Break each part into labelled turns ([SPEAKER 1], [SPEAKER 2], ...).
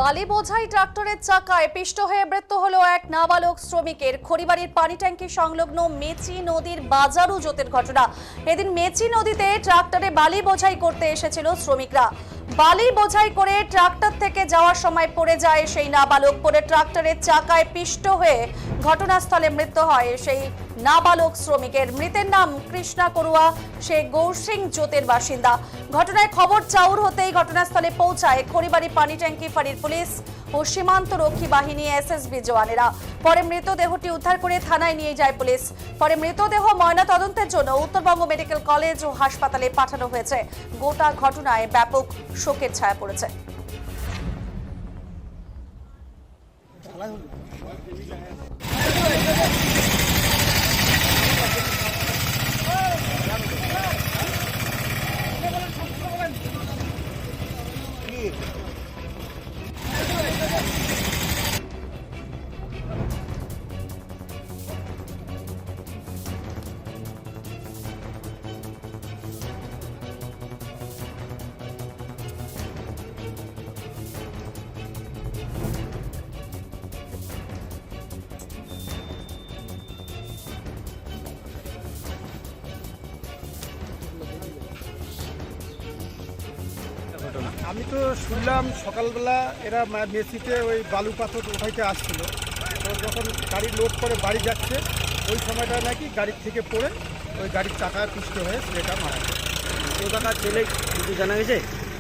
[SPEAKER 1] বালি বোঝাই ট্রাক্টরের চাকায় পিষ্ট হয়ে মৃত্যু হলো এক নাবালক শ্রমিকের। খড়িবাড়ির পানি ট্যাঙ্কি সংলগ্ন মেচি নদীর বাজারু জোতের ঘটনা। এদিন মেচি নদীতে ট্রাক্টরে বালি বোঝাই করতে এসেছিল শ্রমিকরা। বালি বোঝাই করে ট্রাক্টর থেকে যাওয়ার সময় পড়ে যায় সেই নাবালক। পরে ট্রাক্টরের চাকায় পিষ্ট হয়ে ঘটনাস্থলে মৃত্যু হয় সেই নাবালক শ্রমিকের। মৃতের নাম কৃষ্ণা করুয়া, সে গৌরসিং জোতের বাসিন্দা। ঘটনায় খবর চাউর হতেই ঘটনাস্থলে পৌঁছায় খড়িবাড়ি পানি ট্যাঙ্কি ফাঁড়ির পুলিশ ও সীমান্ত রক্ষী বাহিনী এসএসবি জওয়ানেরা। পরে মৃতদেহটি উদ্ধার করে থানায় নিয়ে যায় পুলিশ। পরে মৃতদেহ ময়না তদন্তের জন্য উত্তরবঙ্গ মেডিকেল কলেজ ও হাসপাতালে পাঠানো হয়েছে। গোটা ঘটনায় ব্যাপক শোকের ছায়া পড়েছে।
[SPEAKER 2] আমি তো শুনলাম সকালবেলা এরা মেসিতে ওই বালু পাথর উঠাইতে আসছিল, তো যখন গাড়ি লোড করে বাড়ি যাচ্ছে ওই সময়টা নাকি গাড়ির থেকে পড়ে ওই গাড়ির চাকায় পিষ্ট হয়ে ছেলেটা মারা যায়।
[SPEAKER 3] কোথাকার ছেলে কিছু জানা গেছে?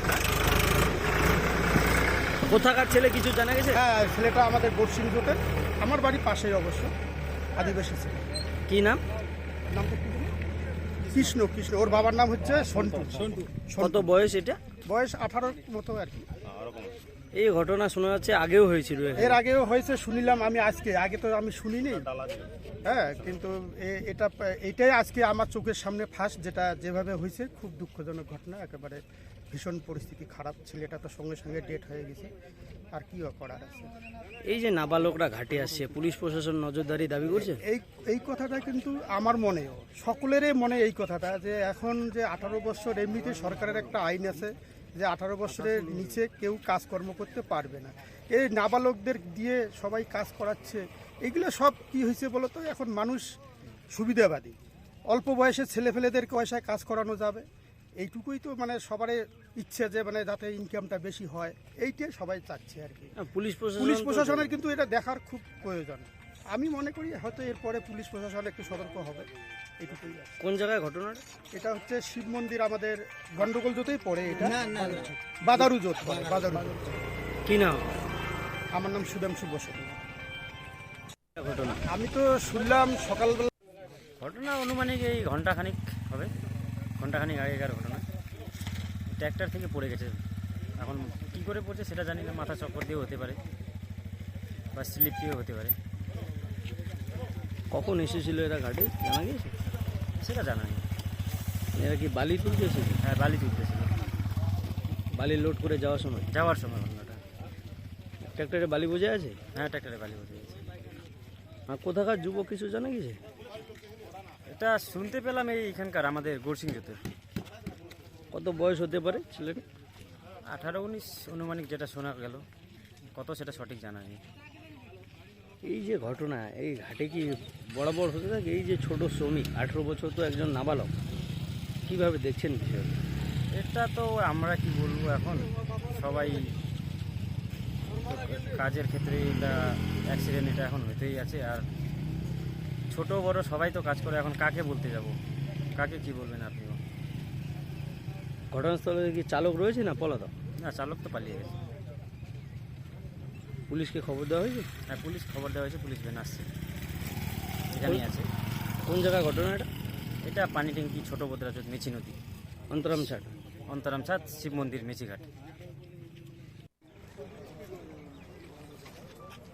[SPEAKER 3] কোথাকার ছেলে কিছু জানা গেছে?
[SPEAKER 2] হ্যাঁ, ছেলেটা আমাদের গৌরসিং জোটের, আমার বাড়ির পাশেই অবশ্য, আদিবাসী ছেলে।
[SPEAKER 3] কি নাম?
[SPEAKER 2] নামটা কি বলুন? কৃষ্ণ। ওর বাবার নাম হচ্ছে সন্টু।
[SPEAKER 3] কত বয়স এটা?
[SPEAKER 2] বয়স 18 মতো আর কি।
[SPEAKER 3] এই ঘটনা শোনা যাচ্ছে আগেও হয়েছিল।
[SPEAKER 2] এর আগেও হয়েছে শুনিলাম আমি, আগে তো আমি শুনিনি। হ্যাঁ, কিন্তু এটাই আজকে আমার চোখের সামনে ফার্স্ট, যেটা যেভাবে হয়েছে খুব দুঃখজনক ঘটনা। একেবারে ভীষণ পরিস্থিতি খারাপ। ছেলেটা তো সঙ্গে সঙ্গে ডেট হয়ে গেছে, আর কি করার আছে।
[SPEAKER 3] এই যে নাবালকরা ঘাটে আসছে, পুলিশ প্রশাসন নজরদারি দাবি করছে।
[SPEAKER 2] এই কথাটা কিন্তু আমার মনেও, সকলেরই মনে এই কথাটা, যে এখন যে 18 বছর এমনিতে সরকারের একটা আইন আছে যে 18 বছরের নিচে কেউ কাজকর্ম করতে পারবে না। এই নাবালকদের দিয়ে সবাই কাজ করাচ্ছে। এগুলো সব কি হয়েছে বলো তো, এখন মানুষ সুবিধাবাদী, অল্প বয়সে ছেলেফেলেদেরকে পয়সায় কাজ করানো যাবে, এইটুকুই তো মানে সবারই ইচ্ছে, যে মানে যাতে ইনকামটা বেশি হয়, এইটাই সবাই চাচ্ছে আর কি।
[SPEAKER 3] পুলিশ
[SPEAKER 2] প্রশাসনের কিন্তু এটা দেখার খুব প্রয়োজন। আমি মনে করি হয়তো এরপরে পুলিশ প্রশাসন একটু সতর্ক হবে, এইটুকুই।
[SPEAKER 3] কোন জায়গায় ঘটনাটা?
[SPEAKER 2] এটা হচ্ছে শিব মন্দির, আমাদের গন্ডগোল জোতেই পড়ে এটা। বাজারু জোত পড়ে, বাজারু জোত।
[SPEAKER 3] কি নাম?
[SPEAKER 2] আমার নাম সুধাংশু বসুন।
[SPEAKER 3] ঘটনা
[SPEAKER 2] আমি তো শুনলাম সকালবেলা।
[SPEAKER 3] ঘটনা অনুমানিক এই ঘন্টাখানিক হবে, ঘন্টাখানিক আগেকার ঘটনা। ট্র্যাক্টর থেকে পড়ে গেছে। এখন কি করে পড়ছে সেটা জানি না, মাথা চক্কর দিয়েও হতে পারে বা স্লিপ দিয়েও হতে পারে। কখন এসেছিল এরা ঘাটে জানা গেছে? সেটা জানা নেই। এরা কি বালি তুলতে এসেছিল? হ্যাঁ, বালি তুলতেছিল, বালি লোড করে যাওয়ার সময় ঘটনাটা। ট্র্যাক্টরে বালি বোঝা আছে? হ্যাঁ, ট্র্যাক্টরে বালি বোঝা আছে। আর কোথাকার যুবক কিছু জানা গেছে? এটা শুনতে পেলাম এইখানকার আমাদের গৌরসিং জোতের। কত বয়স হতে পারে ছেলেটা? 18-19 অনুমানিক, যেটা শোনা গেল। কত সেটা সঠিক জানা নেই। এই যে ঘটনা, এই ঘাটে কি বরাবর হতে থাকে? এই যে ছোট শ্রমিক, 18 বছর তো একজন নাবালক, কিভাবে দেখছেন বিষয়টা? এটা তো আমরা কি বলবো, এখন সবাই কাজের ক্ষেত্রে এটা অ্যাক্সিডেন্ট এটা এখন হতেই আছে। আর ছোট বড় সবাই তো কাজ করে, এখন কাকে বলতে যাব, কাকে কি বলবেন আপনিও? ঘটনাস্থলে কি চালক রয়েছে না পলাতক? না, চালক তো পালিয়ে গেছে। পুলিশকে খবর দেওয়া হয়েছে? হ্যাঁ, পুলিশ খবর দেওয়া হয়েছে, পুলিশ ভ্যান আসছে, এখানেই আছে। কোন জায়গায় ঘটনা এটা? এটা পানি ট্যাঙ্কি ছোট বদ্রাচত মেচি নদী, অন্তরামছাদ শিব মন্দির মেচিঘাট।